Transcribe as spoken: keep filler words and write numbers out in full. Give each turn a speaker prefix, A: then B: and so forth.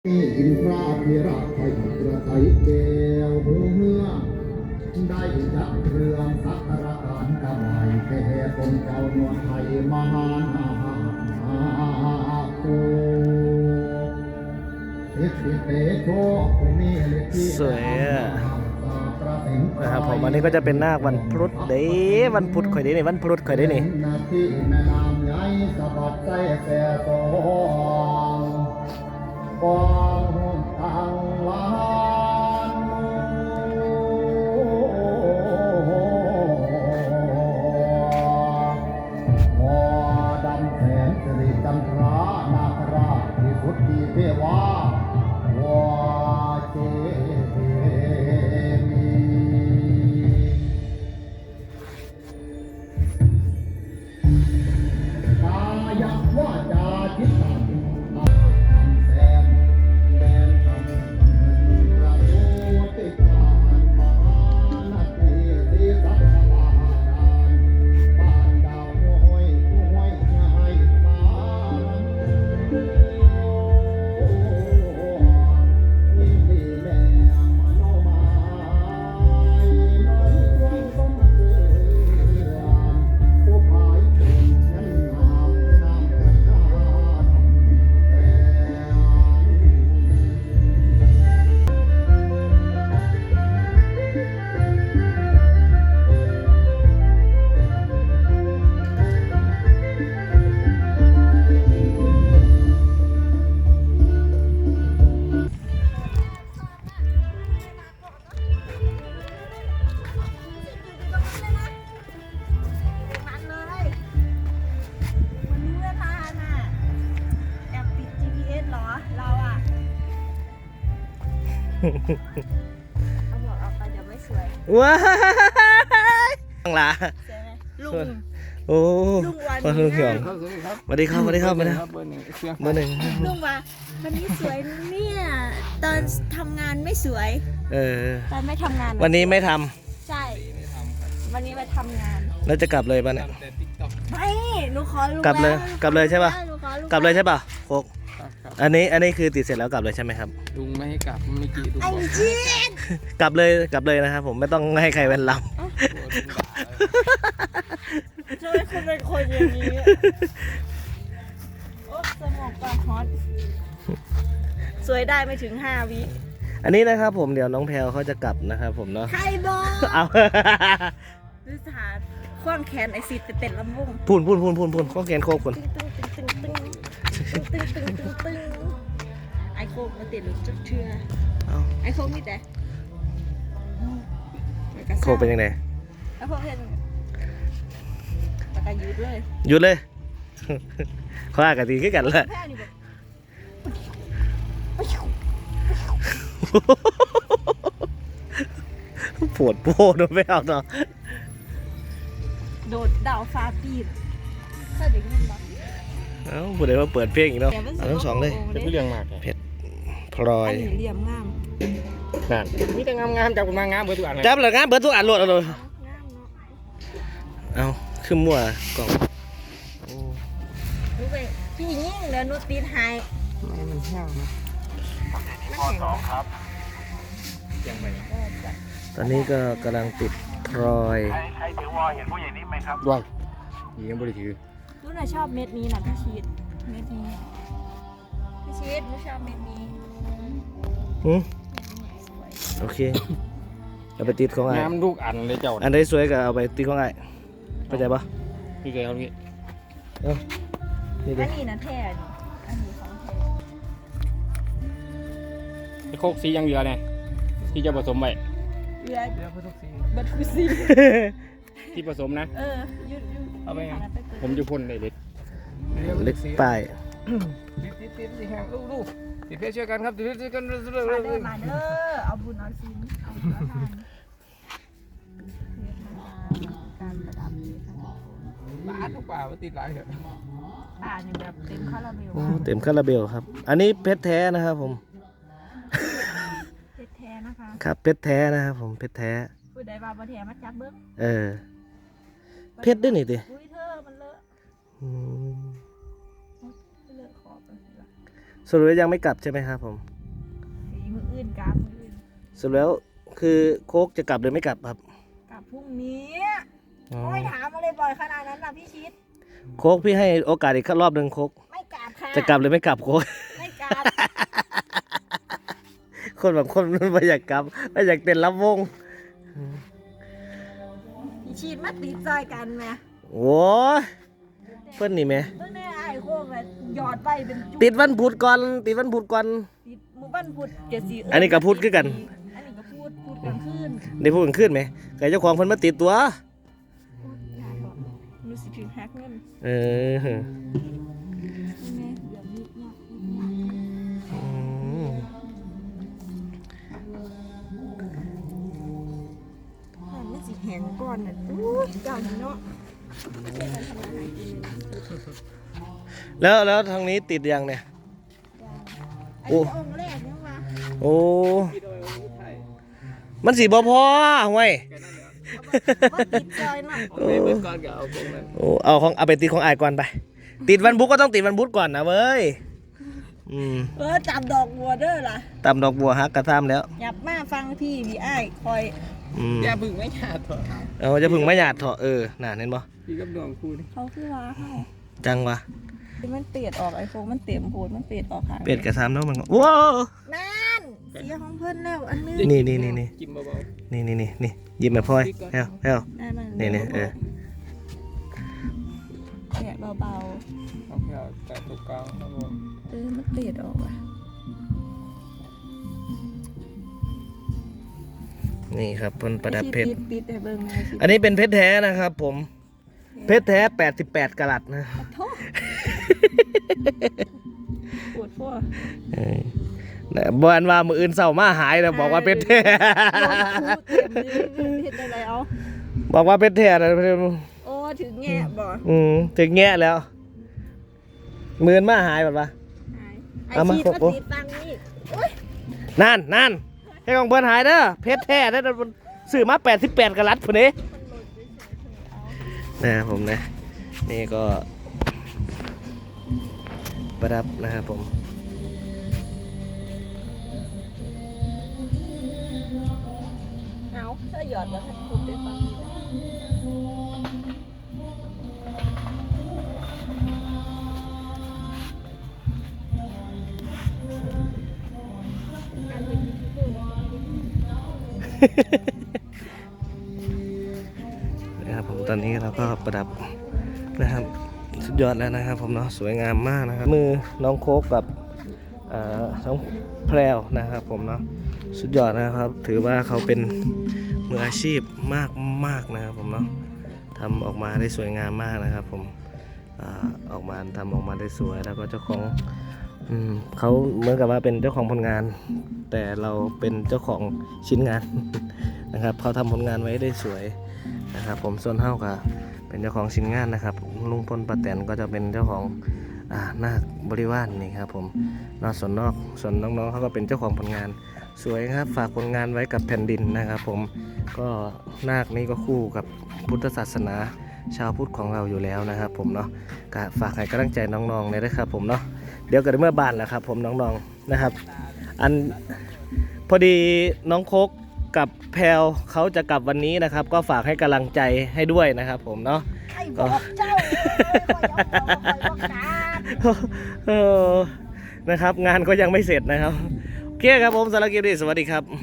A: อินทราธิราชไทยกระไทยแก้วหูเหือได้ยักเรืองสักการะการกำไมแค่คนเจ้านวลไทยมหานาโค
B: สวยอะนะครับผมอันนี้ก็จะเป็นนาควันพุธเด้วันพุธข่อยเด้นี่วันพุธข่อยเด้นี่
A: กองตังวานหอดำแสนสิริจันทรานาคราชที่สุดที่เทวาวาเจมีกายว่าจาจิตตัง
C: เอาบอกเอาไปเดี๋ยวไม่สวย
B: ว้ายตั้งหลา
C: สวยไหมลุง
B: โอ้
C: ลุงวัน
B: วันลุงเหี่ยง
D: ครับสวัสดีครับ
B: สวัสดีครับสวัสดีครับสวัสดีครับ
D: เบอร์หนึ่งเสียง
B: เบอร์หนึ่ง
C: ลุงว่าวันนี้สวยเนี่ยตอนทำงานไม่สวย
B: เออ
C: ตอนไม่ทำงาน
B: วันนี้ไม่ท
C: ใช่ วันนี้ไปทำงาน
B: ำแล้วจะกลับเลยป่ะเนี่ย
D: แต่ติ๊กต็อก
C: ไม่หนูขอลุง
B: กลับเลย
C: แว
B: กลับเลยใช่ปะ
C: หนูขอลุง
B: กลับเลยใช่ป่ะโคก
D: ครับครับ
B: อันนี้อันนี้คือติดเสร็จแล้วกลับเลยใช่ไหมครับ
D: ลุงไม่ให้กลับไม่กี่ลุง
C: ไอ้
D: บอก
C: จีน
B: กลับเลยกลับเลยนะครับผมไม่ต้องให้ใครเป็นล
D: กลัวลุงด่าเลย
C: ทำไมคุณเป็นคนอย่างนี้โอ้สมองปากฮอตสวยได้ไม่ถึงห้าวิ
B: ำอันนี้นะครับผมเดี๋ยวน้องแพลวเขาจะกลับนะครับผมเนาะ
C: ใครบอก
B: เอา
C: ดูสถานขว้างแขนไอซีเต็ดลำวง
B: พูนพูนพูนพูนพูนข้อแขนโคกคน
C: ตึงตึงตึงตึงตึงตึงตึงตึงตึงไอโคกมาติดหรือจุดเชื่อ
B: เอา
C: ไอโคกมีแต่
B: โคกเป็นยังไง
C: ไอโคกเห็นปากกายุดเลย
B: หยุดเลย เขาอากาศดีขึ้นกันแล้ว
C: แพ้นี่แบบ
B: ปวดโป้โดนไม่เอาเนาะ
C: โดดดาวฟ้าปีนถ้าเด็กมันบอก
B: เอ้าผู้ใดมาเปิดเพลงอีกเนาะเอาทั้งสองเลย
D: เป็นผู้เลี้ยงมาก
B: เพชรพลอ
C: อั
B: ย
C: นนี้เหลี่ยมงาม
D: นั่นมีแต่งามๆจับกันมางามเบอร์ทุกอันเลย
B: จับเลยงานเบิดทุกอันโหลดเอาเลย
C: งามเนาะ
B: เอาขึ้นมั่วกล่องโอ้
C: รู้ไปพี่ยิ่งเดี๋ยวนูตีนหาย
D: ไม่มันแห้งนะ
C: ข้อสองครับ
D: ยังไง
B: ตอนนี้ก็กำลังติดพลอย
E: ใครถือวอเห็นผู้ใหญ่นิ่มไหมครับ
D: ด้วยยียังบริถือ
C: รู้น่ะชอบเม็ดนี้นะพี่ชีดเม็ดนี้พี่ชีดรู้ชอบเม็ดนี้
B: หืม
C: เม็ดนี้สวย
B: โอเคเอาไปติดของไอ้
D: งามทุกอันเลยเจ้า
B: อันใดสวยก็เอาไปติดของไอ้เข้าใจปะ
D: พี่เคยเขาพี่
B: เอ้านี่ดิ
C: อันนี้นะแท้นี่อันนี้ของแท้
D: ไอ้โคกสียังเหลือเนี่ยที่จะผสมไว้
C: เรือ
D: เหลือทุกสี
C: บัตรซี
D: ที่ผสมนะ
C: เออยุดยุด
D: เอาไปไง
C: เปิด
D: ผมจะพ่นได้เด็ด
B: เล็กป้าย
D: ติดติดติดสิแห้งดูดูติดเพชรช่วยกันครับติดเพชรช่วยกัน
C: มาเด้อมาเด้อเอาบุญเอาศีลเอาบุญเอาทานเรียนมาการประดับนี้ค่ะ
D: บ้านทุกป่าว่าติดหลายเหรอ
C: ป่านี่แบบเต็มคาราเบล
B: โอ้เต็มคาราเบลครับ อันนี้เพชรแท้นะครับผม
C: เพชรแท้นะคะ
B: ครับเพชรแท้นะครับผมเพชรแท้
C: ผู้ใดว่าบ่แท้มาจับเบิ้ง
B: เออเพชรด้วยนี่ดิ
C: อุ้ยเธอมันเลอะ
B: อืม
C: เลอะขอบไปสิล่ะ
B: สรุปแล้วยังไม่กลับใช่ไหมครับผม
C: ยกลับมื้อ
B: สรุปแล้วคือโคกจะกลับหรือไม่กลับครับ
C: กลับพรุ่งนี้
B: อ๋อ
C: โอ้ยถามอะไรบ่อยขนาดนั้นนะพี่ชิด
B: โคกพี่ให้โอกาสอีกรอบหนึ่งโคก
C: ไม่กลับค่ะ
B: จะกลับหรือไม่กลับโคก
C: ไม่กลับ
B: คนบางคนมันไม่อยากกลับไม่อยากเต้นรับวง
C: พี่ชิดมาติดใจกันไหม
B: โอ้ยเพื่อนนี่ไหม
C: เพิ่งได้ไอ้โค้งเลยหยอดไปเป็นจุ
B: ติดวันพุธก่อนติดวันพุธก่อน
C: ติดหมู่บ้านพุดเจ็ดสี
B: อันนี้ก็พูดคือกัน
C: อันนี้ก็พูดพูดกลางคืน
B: ได้พูดกันขึ้นไหมไก่เจ้าของเพิ่นมาติดตัว
C: รู้สึกถึงแฮกเงิน
B: เออ
C: แม่เดี๋ยวนี้เนี่ย
B: อืม
C: มันไม่สิแหงก่อนน่ะอู้ยเจ้านี่เนาะ
B: แล้วแล้วทางนี้ติดยังเนี่ย
C: ไอ้
B: โอ้
C: องค์แรกเนี่ยว่า
B: โอ้มันสีบ่พอห่วย
C: ว่าติดจอยเนาะ
D: เอาไปเบิดก่อนก็เอาตรงนั้น
B: โอ้เอาของเอาไปติดของอายก่อนไป ติดวันพุธก็ต้องติดวันพุธก่อนนะเว้ยอืม
C: เออจับดอกบัวเด้อล่ะ
B: ตำดอกบัวฮักกระซ้ำแล้ว
C: หยับมาฟังพี่พี่อ้ายคอย
B: อืม
D: อย่าพึ่งไม่หยาดเถอะ
B: เอาจะพึ่งไม่หยาดเถอะเออน่ะเห็นบ่
D: พี่กับน้องคู่นี่
C: เขาคือว่าให้
B: จังวะ
C: มันเปียดออกไอโฟนมันเต็มโพดมันเปียดออกค่ะ
B: เป็ดกระซ้ำแล้วมันก็ว้าว
C: นั่นเสียของเพิ่นแล้วอันนึง
B: นี่นี่นี่นี่
D: กินเบา
B: นี่นี่นี่นี่ยิ้มแบบพลอยแฮวแฮว
C: นั่น
B: นี่นี่เออ
C: เปียดเบา
D: ๆเอาแค่แต่ตกกลางครับผม
C: ๆเออมันเปียดออกอ่ะ
B: นี่ครับเพิ่นประดับเพชร
C: ติดติดแต่เบิ่งไงสิ
B: อันนี้เป็นเพชรแท้นะครับ ผม เพชรแท้แปดสิบแปดกะรัตนะ
C: โทษปวดฟัว
B: เออแต่บอนว่ามืออื่นเศร้ามาหายแล้วบอกว่าเพชรแท้
C: เห็นอะไรเอา
B: บอกว่าเพชรแท้นะ
C: โอ้ถึงแง่บ่
B: อืมถึงแง่แล้วมืออื่นมาหายแบบว่า
C: ไอ้
B: เอามา
C: ชีด
B: โอ้
C: มาติดตังนี่โอ้ย
B: นั่นนั่นให้ของเพิ่นหายเด้อเพชรแท้ได้อซื้อมาแปดสิบแปดกะรัตพุ่นนี้นะครับผมนะนี่ก็ประดับนะครับผม
C: เอาถ้าหยอดแล้วถ้าคุณได้ฟังนี่นะการเป็นยูทูบเบอร์
B: นะครับผมตอนนี้เราก็ประดับนะครับสุดยอดแล้วนะครับผมเนาะสวยงามมากนะครับมือน้องโคกกับเอ่อน้องแพรวนะครับผมเนาะสุดยอดนะครับ ถือว่าเขาเป็นมืออาชีพมากมากนะครับผมเนาะทำออกมาได้สวยงามมากนะครับผมอ่าออกมาทำออกมาได้สวยแล้วก็เจ้าของอืมเขาเหมือนกับว่าเป็นเจ้าของผลงาน แต่เราเป็นเจ้าของชิ้นงาน นะครับเขาทำผลงานไว้ได้สวยนะครับผมส่วนเท่ากับเป็นเจ้าของชิ้นงานนะครับลุงพลป้าแตนก็จะเป็นเจ้าของอ่านาคบริวารนี่ครับผมนอกส่วนนอกส่วนน้องๆเขาก็เป็นเจ้าของผลงานสวยครับฝากผลงานไว้กับแผ่นดินนะครับผมก็นาคนี้ก็คู่กับพุทธศาสนาชาวพุทธของเราอยู่แล้วนะครับผมเนาะก็ฝากให้กำลังใจน้องๆเลยนะครับผมเนาะเดี๋ยวกันเมื่อบานแหละครับผมน้องๆนะครับ อันพอดีน้องโคกกับแพลวเขาจะกลับวันนี้นะครับ ก็ฝากให้กำลังใจให้ด้วยนะครับผมเนาะ
C: ไอ้บอกเจ้าเอ้ยคอยเอาเอาคอยบอกการ
B: เออนะครับ งานก็ยังไม่เสร็จนะครับโอเคครับผมสารบคลิปนี้สวัสดีครับ